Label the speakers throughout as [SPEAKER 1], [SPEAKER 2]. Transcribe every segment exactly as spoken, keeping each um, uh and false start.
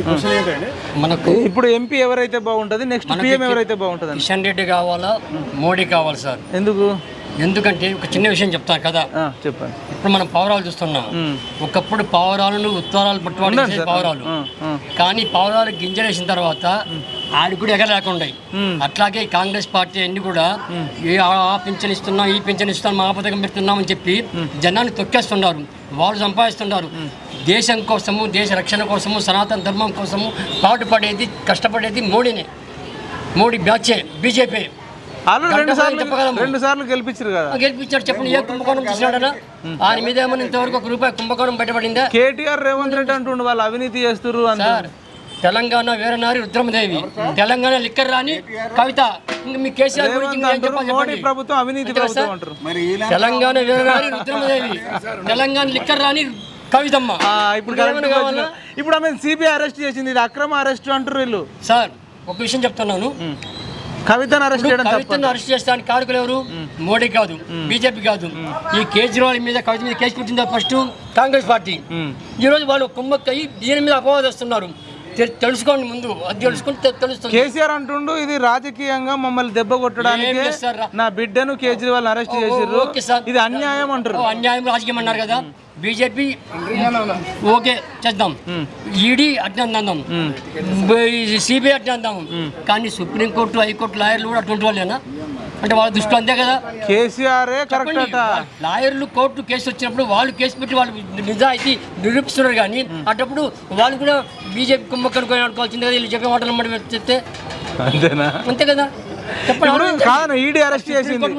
[SPEAKER 1] Question ఏంటంటే
[SPEAKER 2] మనకు
[SPEAKER 3] ఇప్పుడు ఎంపీ ఎవరైతే బాగుంటుంది, నెక్స్ట్ పీఎం ఎవరైతే బాగుంటుంది?
[SPEAKER 2] కిషన్ రెడ్డి కావాలా, మోడీ కావాలి సార్.
[SPEAKER 3] ఎందుకు?
[SPEAKER 2] ఎందుకంటే ఒక చిన్న విషయం చెప్తాను కదా,
[SPEAKER 3] చెప్పండి.
[SPEAKER 2] ఇప్పుడు మనం పావురాలు చూస్తున్నాం. ఒకప్పుడు పావురాలను ఉత్తరాలు పట్టుబడి పావురాలు, కానీ పావురాలు గింజలేసిన తర్వాత ఆడి కూడా ఎగలేకుండా. అట్లాగే కాంగ్రెస్ పార్టీ అన్ని కూడా ఆ పింఛన్ ఇస్తున్నాం, ఈ పింఛన్ ఇస్తున్నాం, మా పథకం పెడుతున్నాం అని చెప్పి జనాన్ని తొక్కేస్తున్నారు. వాళ్ళు సంపాదిస్తున్నారు. దేశం కోసము, దేశ రక్షణ కోసము, సనాతన ధర్మం కోసము పాటుపడేది, కష్టపడేది మోడీనే. మోడీ బ్యాచే, బీజేపీ.
[SPEAKER 3] రెండు సార్లు గెలిపించారు కదా.
[SPEAKER 2] గెలిపించాడు. చెప్పండి, ఏ కుంభకోణం చేసినాడనా? ఆయన మీద ఏమన్నా ఇంతవరకు ఒక రూపాయి కుంభకోణం బయటపడిందా?
[SPEAKER 3] కేటీఆర్, రేవంత్ రెడ్డి అంటుండే వాళ్ళు అవినీతి చేస్తారు సార్.
[SPEAKER 2] తెలంగాణ వీరనారి రుద్రమదేవి, తెలంగాణ లిక్కర్ రాని కవిత. ఇంకా మీ కేసీఆర్
[SPEAKER 3] మోడీ ప్రభుత్వం అవినీతి ప్రభుత్వం అంటారు.
[SPEAKER 2] తెలంగాణ వీరనారి రుద్రమదేవి, తెలంగాణ లిక్కర్ రాని కవితమ్మ.
[SPEAKER 3] ఇప్పుడు ఇప్పుడు ఆమె సిబిఐ అరెస్ట్ చేసింది, ఇది అక్రమ అరెస్ట్ అంటారు వీళ్ళు.
[SPEAKER 2] సార్ ఒక విషయం చెప్తున్నాను,
[SPEAKER 3] కవితను అరెస్ట్ చేయడం,
[SPEAKER 2] కవితను అరెస్ట్ చేస్తానికి కారకులు ఎవరు? మోడీ కాదు, బీజేపీ కాదు. ఈ కేజ్రీవాల్ మీద, కవిత మీద కేసు పెట్టిందా ఫస్ట్ కాంగ్రెస్ పార్టీ. ఈ రోజు వాళ్ళు కుమ్మక్కయి దీని మీద అపవాదం వస్తున్నారు. తెలుసుకోండి, ముందు అది తెలుసుకుంటే తెలుస్తుంది.
[SPEAKER 3] కేసీఆర్ అంటుండు ఇది రాజకీయంగా మమ్మల్ని దెబ్బ కొట్టడానికి నా బిడ్డను కేజ్రీవాల్ అరెస్ట్ చేసారు, ఇది అన్యాయం అంటారు.
[SPEAKER 2] అన్యాయం, రాజకీయం అన్నారు కదా. బీజేపీ ఓకే చేద్దాం, ఈడీ అట్లా అందాం, సిబిఐ అట్లా అందాం. కానీ సుప్రీంకోర్టు, హైకోర్టు లాయర్లు కూడా అటువంటి వాళ్ళేనా? అంటే వాళ్ళ దృష్టిలో అంతే కదా.
[SPEAKER 3] కేసీఆర్
[SPEAKER 2] లాయర్లు కోర్టు కేసు వచ్చినప్పుడు వాళ్ళు కేసు పెట్టి వాళ్ళు నిజాయితీ నిరూపిస్తున్నారు. కానీ అటప్పుడు వాళ్ళు కూడా బీజేపీ కుంభకనుకొని అనుకోవాల్సింది కదా. వీళ్ళు చెప్పే మాటలు మాట చెప్తే
[SPEAKER 3] అంతేనా?
[SPEAKER 2] అంతే కదా. చెప్పండి,
[SPEAKER 3] ఈడీ అరెస్ట్ చేసింది,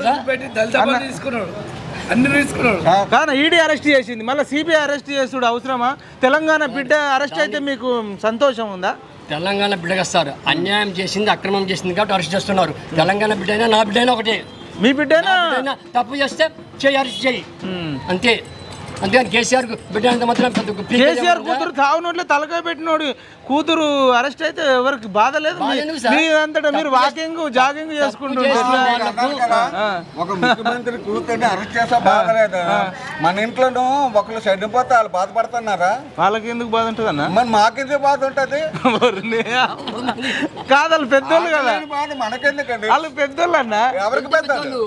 [SPEAKER 3] కానీ ఈడీ అరెస్ట్ చేసింది, మళ్ళీ సిబిఐ అరెస్ట్ చేసుడు అవసరమా? తెలంగాణ బిడ్డ అరెస్ట్ అయితే మీకు సంతోషం ఉందా?
[SPEAKER 2] తెలంగాణ బిడ్డగా సార్ అన్యాయం చేసింది, అక్రమం చేసింది కాబట్టి అరెస్ట్ చేస్తున్నారు. తెలంగాణ బిడ్డ అయినా నా బిడ్డ అయినా ఒకటే.
[SPEAKER 3] మీ బిడ్డైనా
[SPEAKER 2] తప్పు చేస్తే చేయి, అరెస్ట్ చేయి, అంతే. అంతేగాని కేసీఆర్ బిడ్డ అంత మాత్రం
[SPEAKER 3] కేసీఆర్ కూతురు తావునోట్లే తలకాయ పెట్టినోడు కూతురు అరెస్ట్ అయితే ఎవరికి బాధ లేదు. మీ అంతటా మీరు వాకింగ్, జాగింగ్ చేసుకుంటున్నారు.
[SPEAKER 4] ఒక ముఖ్యమంత్రి కూతుర్ని అరెస్ట్ చేసా బాధ లేదు. మన ఇంట్లోనూ ఒకళ్ళు చనిపోతే వాళ్ళు బాధపడుతున్నారా?
[SPEAKER 3] వాళ్ళకి ఎందుకు బాధ ఉంటుంది అన్న?
[SPEAKER 4] మరి మాకెందుకు బాధ ఉంటుంది?
[SPEAKER 3] కాదు, వాళ్ళు పెద్దోళ్ళు కదా.
[SPEAKER 4] బాధ మనకెందుకండి?
[SPEAKER 3] వాళ్ళు పెద్దోళ్ళు అన్న.
[SPEAKER 4] ఎవరికి పెద్దోళ్ళు?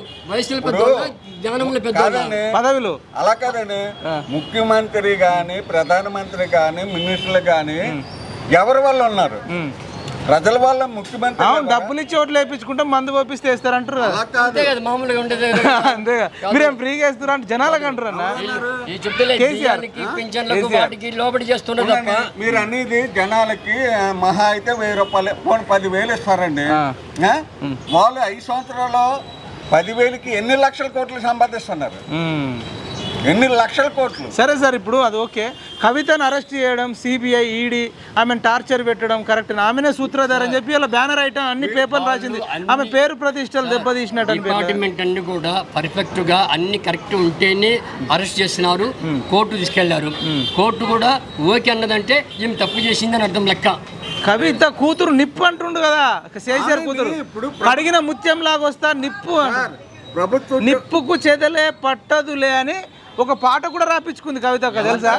[SPEAKER 3] పదవిలో
[SPEAKER 4] అలా కాదండి. ముఖ్యమంత్రి గాని, ప్రధానమంత్రి గాని, మినిస్టర్లు గాని ఎవరి వల్ల ఉన్నారు? ప్రజల వల్ల. ముఖ్యమంత్రి
[SPEAKER 3] డబ్బులు ఇచ్చి ఓట్లు వేయించుకుంటే మందు పంపిస్తే వేస్తారంటారు కదా.
[SPEAKER 2] మామూలుగా ఉండేది
[SPEAKER 3] అంతేగా. మీరేం ఫ్రీగా వేస్తారు అంటే జనాలకు అంటారు అన్న.
[SPEAKER 4] మీరు అనేది జనాలకి మహా అయితే వెయ్యి రూపాయలు, పోనీ పదివేలు ఇస్తారండి. వాళ్ళు ఐదు సంవత్సరాలు పదివేలకి ఎన్ని లక్షల కోట్లు సంపాదిస్తున్నారు? ఎన్ని లక్షల కోట్లు.
[SPEAKER 3] సరే సార్, ఇప్పుడు అది ఓకే. కవితను అరెస్ట్ చేయడం, సిబిఐ, ఈడీ ఆమెను టార్చర్ పెట్టడం కరెక్ట్. ఆమెనే సూత్రధార అని చెప్పి అలా బ్యానర్ ఐటమ్ అన్ని పేపర్లు రాసింది. ఆమె పేరు ప్రతిష్టలు దెబ్బతీసినట్టు.
[SPEAKER 2] డిపార్ట్మెంట్ అన్ని కూడా పర్ఫెక్ట్ గా అన్ని కరెక్ట్ ఉంటేనే అరెస్ట్ చేస్తున్నారు, కోర్టు తీసుకెళ్లారు. కోర్టు కూడా ఓకే అన్నదంటే ఏం తప్పు చేసిందని అర్థం లెక్క.
[SPEAKER 3] కవిత కూతురు నిప్పు అంటుండు కదా, కేసీఆర్ కూతురు. అడిగిన ముత్యం లాగా వస్తా నిప్పు, నిప్పుకు చెదలే పట్టదులే అని ఒక పాట కూడా రాపించుకుంది కవిత, తెలుసా?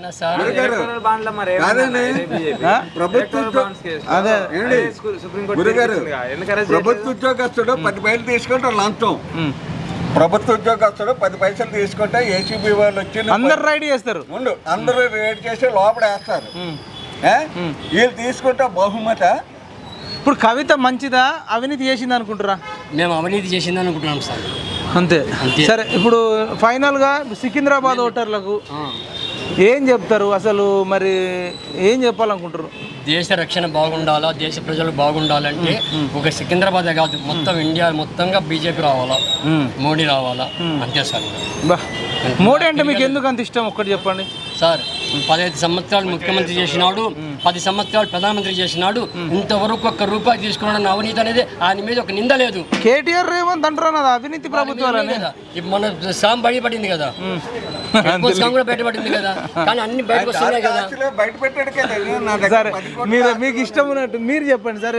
[SPEAKER 4] ప్రభుత్వ ఉద్యోగస్తుడు పది పైసలు తీసుకుంటే లంచం, ప్రభుత్వ ఉద్యోగస్తుడు పది పైసలు తీసుకుంటే ఏసీబీ వాళ్ళు వచ్చి
[SPEAKER 3] అందరు రైడ్ చేస్తారు.
[SPEAKER 4] ముందు అందరూ రైడ్ చేసి లోపల వేస్తారు. వీళ్ళు తీసుకుంటే బహుమత.
[SPEAKER 3] ఇప్పుడు కవిత మంచిదా, అవినీతి చేసింది అనుకుంటారా?
[SPEAKER 2] మేము అవినీతి చేసింది అనుకుంటున్నాం సార్.
[SPEAKER 3] అంతే. సరే, ఇప్పుడు ఫైనల్గా సికింద్రాబాద్ ఓటర్లకు ఏం చెప్తారు అసలు? మరి ఏం చెప్పాలనుకుంటారు?
[SPEAKER 2] దేశ రక్షణ బాగుండాలా, దేశ ప్రజలు బాగుండాలంటే ఒక సికింద్రాబాదే కాదు, మొత్తం ఇండియా మొత్తంగా బీజేపీ రావాలా, మోడీ రావాలా, అంతే సార్.
[SPEAKER 3] బా, మోడీ అంటే మీకు ఎందుకు అంత ఇష్టం ఒక్కటి చెప్పండి
[SPEAKER 2] సార్. పదహైదు సంవత్సరాలు ముఖ్యమంత్రి చేసినాడు, పది సంవత్సరాలు ప్రధానమంత్రి చేసినాడు. ఇంతవరకు ఒక్క రూపాయి తీసుకున్నాడు. అవినీతి అనేది ఆయన మీద ఒక నింద లేదు.
[SPEAKER 3] కేటీఆర్, రేవంత్ అంటారు అవినీతి ప్రభుత్వాలు.
[SPEAKER 2] మన సాం బయటపడింది కదా, కూడా బయటపడింది కదా, కానీ అన్ని బయటకు వస్తున్నాయి కదా.
[SPEAKER 4] బయట పెట్టాడు కదా.
[SPEAKER 3] సరే, మీరు మీకు ఇష్టం ఉన్నట్టు మీరు చెప్పండి సరే.